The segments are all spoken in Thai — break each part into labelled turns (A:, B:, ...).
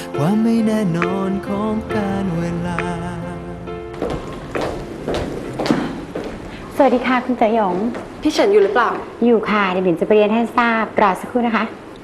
A: ความไม่แน่นอนของการเวลา
B: สวัสดีค่ะคุณเจ๋อหยง
C: พี่เฉินอยู่หรือเปล่า
B: อยู่ค่ะเดี๋ยวบิ่นจะไปเรียนให้ทราบรอสักครู่นะคะ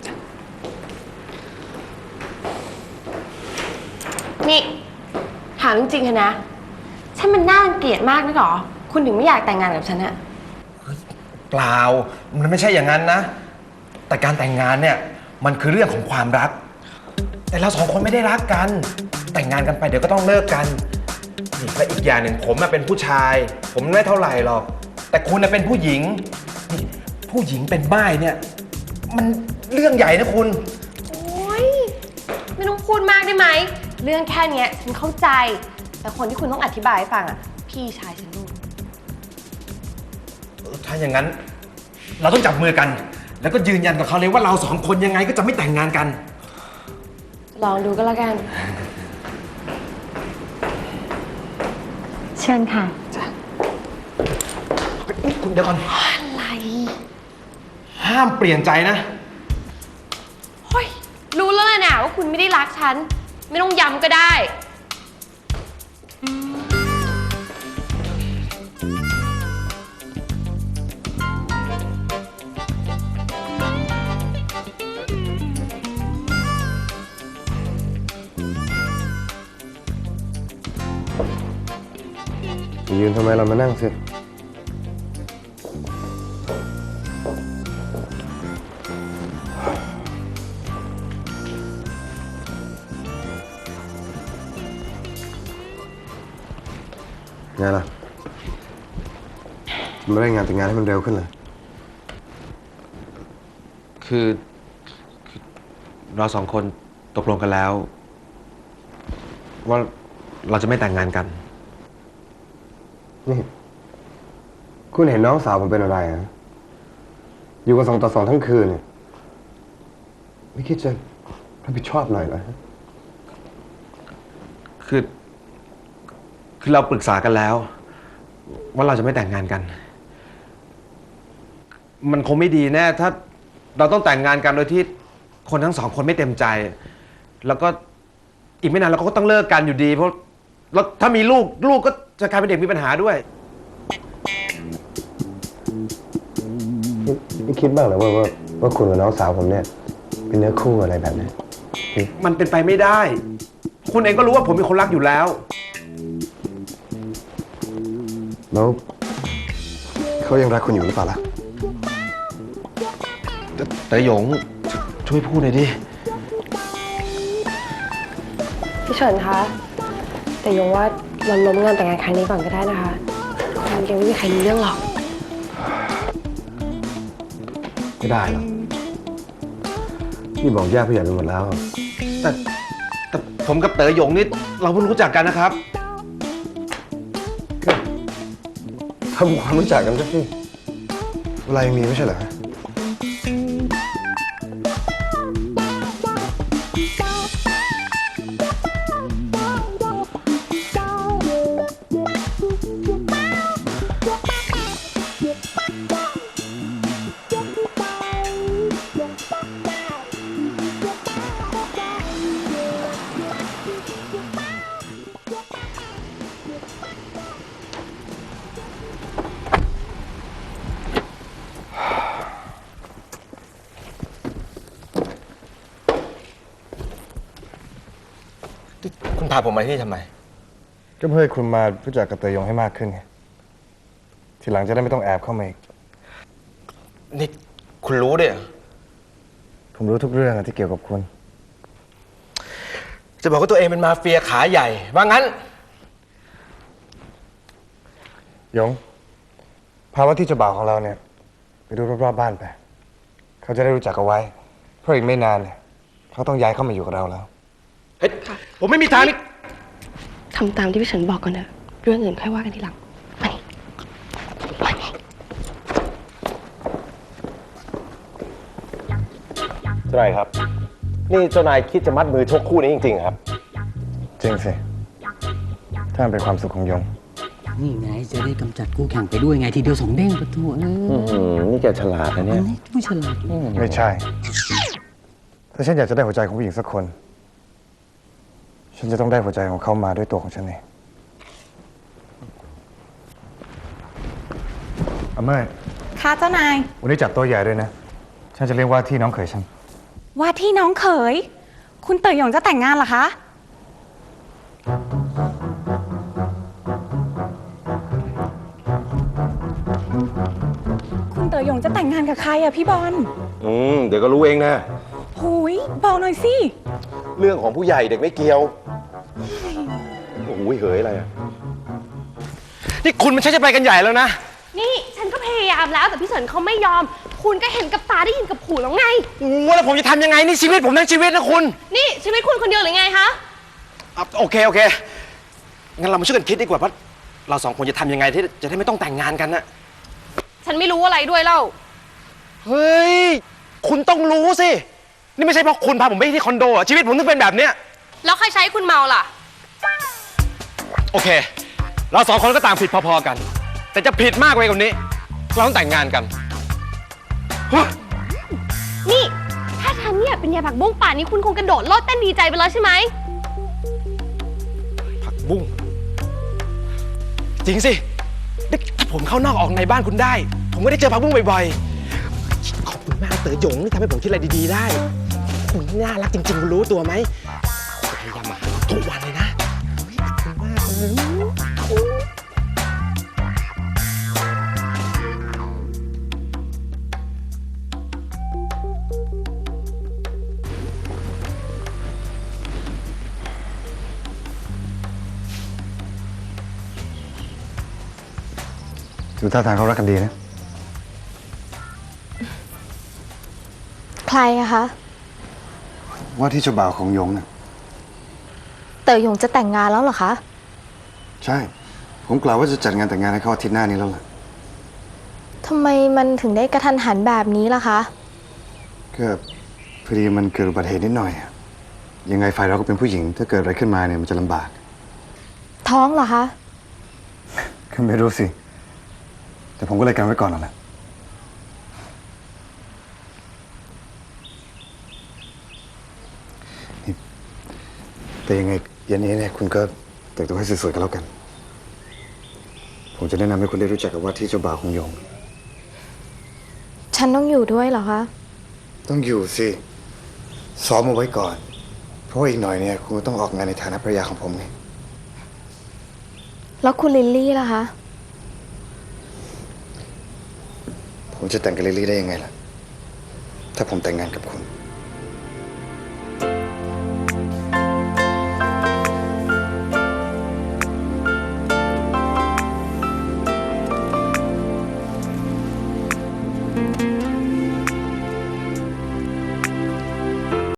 C: นี่ถามจริงๆเถอะนะฉันมันน่ารังเกียจมากนะหรอคุณถึงไม่อยากแต่งงานกับฉันอะ
D: เปล่ามันไม่ใช่อย่างนั้นนะแต่การแต่งงานเนี่ยมันคือเรื่องของความรักแต่เราสองคนไม่ได้รักกันแต่งงานกันไปเดี๋ยวก็ต้องเลิกกันนี่และอีกอย่างหนึ่งผมเป็นผู้ชายผมไม่เท่าไหร่หรอกแต่คุณเป็นผู้หญิงนี่ผู้หญิงเป็นม่ายเนี่ยมันเรื่องใหญ่นะคุณ
C: โอ๊ยไม่ต้องพูดมากได้ไหมเรื่องแค่นี้ฉันเข้าใจแต่คนที่คุณต้องอธิบายให้ฟังอะพี่ชายฉันลูก
D: ถ้าอย่างนั้นเราต้องจับมือกันแล้วก็ยืนยันกับเขาเลยว่าเราสองคนยังไงก็จะไม่แต่งงานกัน
C: ลองดูก็แล้วกัน
B: เชิญค่ะ
D: คุณเดี๋ยวก่อน
C: อะไร
D: ห้ามเปลี่ยนใจนะ
C: เฮ้ยรู้แล้วนะว่าคุณไม่ได้รักฉันไม่ต้องย้ำก็ได้
E: ยืนทำไมเรามานั่งสิไงล่ะมาได้งานแต่งงานให้มันเร็วขึ้นเลย
D: คือเราสองคนตกลงกันแล้ว ว่าเราจะไม่แต่งงานกัน
E: นี่คุณเห็นน้องสาวผมเป็นอะไรฮะอยู่กัน2 ต่อ 2ทั้งคืนเนี่ยไม่คิดจะรับผิดชอบหน่อยเหรอ
D: คือเราปรึกษากันแล้ว ว่าเราจะไม่แต่งงานกัน มันคงไม่ดีแน่ถ้าเราต้องแต่งงานกันโดยที่คนทั้งสองคนไม่เต็มใจ แล้วก็อีกไม่นานเราก็ต้องเลิกกันอยู่ดีเพราะแล้วถ้ามีลูกก็จะกลายเป็นเด็กมีปัญหาด้วย
E: ไม่คิดบ้างเหรอว่าคุณกับน้องสาวผมเนี่ยเป็นเนื้อคู่อะไรแบบนี้
D: มันเป็นไปไม่ได้ คุณเองก็รู้ว่าผมมีคนรักอยู่แล้ว
E: แล้วเขายังรักคุณอยู่หรือเปล่าล่ะ
D: แต่หยงช่วยพูดหน่อยดิ
C: พี่เฉินคะแต่ยงว่าเราล้มงานแต่งงานครั้งนี้ก่อนก็ได้นะคะมันยังไม่มีใครรู้เรื่องหรอก
E: ไม่ได้หรอกพี่บอกญาติผู้ใหญ่ไปหมดแล้ว
D: แต่ผมกับเต๋อหยงนี่เราเพิ่งรู้จักกันนะครับ
E: ทำความรู้จักกันสักทีเวลายังมีไม่ใช่เหรอ
D: คุณพาผมมาที่นี่ทำไม
E: ก็เพื่อให้คุณมารู้จักกับเตยยงให้มากขึ้นไงทีหลังจะได้ไม่ต้องแอบเข้ามาอีก
D: นี่คุณรู้ด้วยเหรอ
E: ผมรู้ทุกเรื่องที่เกี่ยวกับคุณ
D: จะบอกว่าตัวเองเป็นมาเฟียขาใหญ่ว่างั้น
E: ยงพาว่าที่เจ้าบ่าวของเราเนี่ยไปดูรอบๆบ้านไปเขาจะได้รู้จักกันไว้เพราะอีกไม่นานเนี่ยเขาต้องย้ายเข้ามาอยู่กับเราแล้ว
D: เฮ้ยผมไม่มีทางนี่
C: ทำตามที่พี่เฉินบอกก่อนเถอะเรื่องอื่นค่อยว่ากันทีหลัง
D: เจ้านายครับนี่เจ้านายคิดจะมัดมือชกคู่นี้จริงๆครับ
E: จริงสิถ้ามันเป็นความสุขของยง
A: นี่ไงจะได้กำจัดคู่แข่งไปด้วยไงทีเดียว2 เด้งประตู
D: นี่แกฉลาดนะเนี่ย
A: ไม่ฉลาด
E: ไม่ใช่ถ้าฉันอยากจะได้หัวใจของผู้หญิงสักคนฉันจะต้องได้หัวใจของเขามาด้วยตัวของฉันเองอเมย์
F: ค่ะเจ้านาย
E: วันนี้จัดโต๊ะใหญ่ด้วยนะ ฉันจะเรียกว่าที่น้องเขยฉัน
F: ว่าที่น้องเขย คุณเต๋อหยงจะแต่งงานเหรอคะ คุณเต๋อหยงจะแต่งงานกับใครอะพี่บอล
G: เดี๋ยวก็รู้เองนะ
F: หุยบอกหน่อยสิ
G: เรื่องของผู้ใหญ่เด็กไม่เกี่ยว โอ้โหเหยอะไรอ่ะ
D: นี่คุณมันใช่จะไปกันใหญ่แล้วนะ
C: นี่ฉันก็พยายามแล้วแต่พี่เฉินเขาไม่ยอม คุณก็เห็นกับตาได้ยินกับหูแล้วไง
D: โอ้แล้วผมจะทำยังไงนี่ชีวิตผมทั้งชีวิตนะคุณ
C: นี่ชีวิตคุณคนเดียวหรือไงคะ
D: โอเคงั้นเรามาช่วยกันคิดดีกว่าว่าเราสองคนจะทำยังไงที่จะได้ไม่ต้องแต่งงานกันนะ
C: ฉันไม่รู้อะไรด้วยเล่า
D: เฮ้ยคุณต้องรู้สินี่ไม่ใช่เพราะคุณพาผมไปที่คอนโดอะชีวิตผมต้องเป็นแบบเนี้ย
C: แล้วใครใช้คุณเมาล่ะ
D: โอเค เราสองคนก็ต่างผิดพอๆกัน แต่จะผิดมากไปกว่านี้เราต้องแต่งงานกันเฮ้ย
C: นี่ ถ้าฉันเนี่ยเป็นยายผักบุ้งป่านนี้คุณคงกระโดดโลดเต้นดีใจไปแล้วใช่ไหม
D: ผักบุ้งจริงสินี่ถ้าผมเข้านอกออกในบ้านคุณได้ ผมก็ได้เจอผักบุ้งบ่อยๆขอบคุณมากเต๋อหยงที่ทำให้ผมคิดอะไรดีๆได้ คุณน่ารักจริงๆคุณรู้ตัวไหมพยายามมาหาทุกวันเลยนะเฮ้ยขอบคุณมากเลย
E: ดูท่าทางเขารักกันดีนะ
H: ใครอะคะ
E: ว่าที่เจ้าบ่าวของยงน่ะ
H: เต๋อหยงจะแต่งงานแล้วเหรอคะ
E: ใช่ ผมกล่าวว่าจะจัดงานแต่งงานให้เขาอาทิตย์หน้านี้แล้วล่ะ
H: ทำไมมันถึงได้กระทันหันแบบนี้ล่ะคะ
E: ก็พอดีมันเกิดอุบัติเหตุนิดหน่อยอะยังไงฝ่ายเราก็เป็นผู้หญิง ถ้าเกิดอะไรขึ้นมาเนี่ยมันจะลำบาก
H: ท้องเหรอคะ
E: ก็ไม่รู้สิ แต่ผมก็เลยกันไว้ก่อนนั่นแหละนี่แต่ยังไงเย็นนี้เนี่ยคุณก็แต่งตัวให้สวยๆกันแล้วกัน ผมจะแนะนำให้คุณได้รู้จักกับว่าที่เจ้าบ่าวของยง
H: ฉันต้องอยู่ด้วยเหรอคะ
E: ต้องอยู่สิซ้อมเอาไว้ก่อน เพราะว่าอีกหน่อยเนี่ยคุณก็ต้องออกงานในฐานะภรรยาของผมไง
H: แล้วคุณลิลลี่ล่ะคะ
E: ผมจะแต่งกับลิลลี่ได้ยังไงล่ะ ถ้าผมแต่งงานกับคุณ